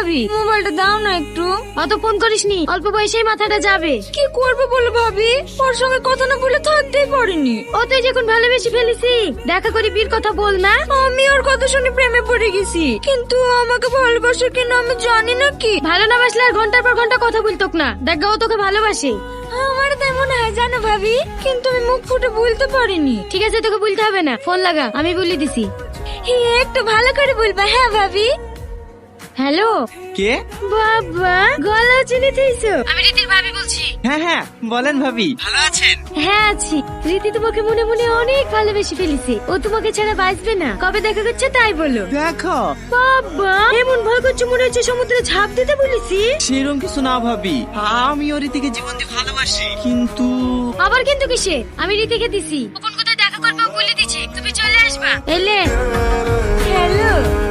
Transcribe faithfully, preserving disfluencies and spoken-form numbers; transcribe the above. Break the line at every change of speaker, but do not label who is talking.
ভাবি মোবাইলটা দাও না একটু।
অত ফোন করিসনি, অল্প বয়সেই মাথাটা যাবে।
কি করবো বলো ভাবি, ওর সঙ্গে কথা না বলে থাকতেই পারিনি।
ও তুই যখন ভালোবেসে ফেলেছি, দেখা করে বিয়ের কথা বল না।
আমি ওর কথা শুনে প্রেমে পড়ে গেছি, কিন্তু আমাকে ভালোবাসে কিনা আমি জানি না কি।
ভালো না বাসলে আর ঘন্টার পর ঘন্টা কথা বলতো না। দেখ ও তোকে ভালোবাসে।
আমার তাই মনে হয় জানো ভাবি, কিন্তু আমি মুখ ফুটে বলতে পারিনি।
ঠিক আছে, তোকে বলতে হবে না, ফোন লাগা, আমি বলে দিছি।
হে, একটু ভালো করে বলবা। হ্যাঁ ভাবি।
হ্যালো।
কে?
বাবা, গলা চিনে থেইছো? আমি রীতির ভাবি বলছি।
হ্যাঁ হ্যাঁ বলেন ভাবি, ভালো আছেন?
হ্যাঁ আছি। রীতি তোমাকে মনে মনে অনেক ভালোবেসে ফেলেছে। ও তোমাকে ছাড়া বাঁচবে না। কবে দেখা করছে তাই বলো।
দেখো
বাবা, এমন ভয় করছে মনে হচ্ছে সমুদ্রে ঝাঁপ দিতে বলেছি।
সেরকম কিছু না ভাবি, আমি ওর থেকে জীবন দিয়ে ভালোবাসি, কিন্তু
আবার কিন্তু কিসে? আমি রীতিকে দিছি, কোন কোথায় দেখা করবে ও বলে দিছে, তুমি চলে আসবা। এলে
হ্যালো।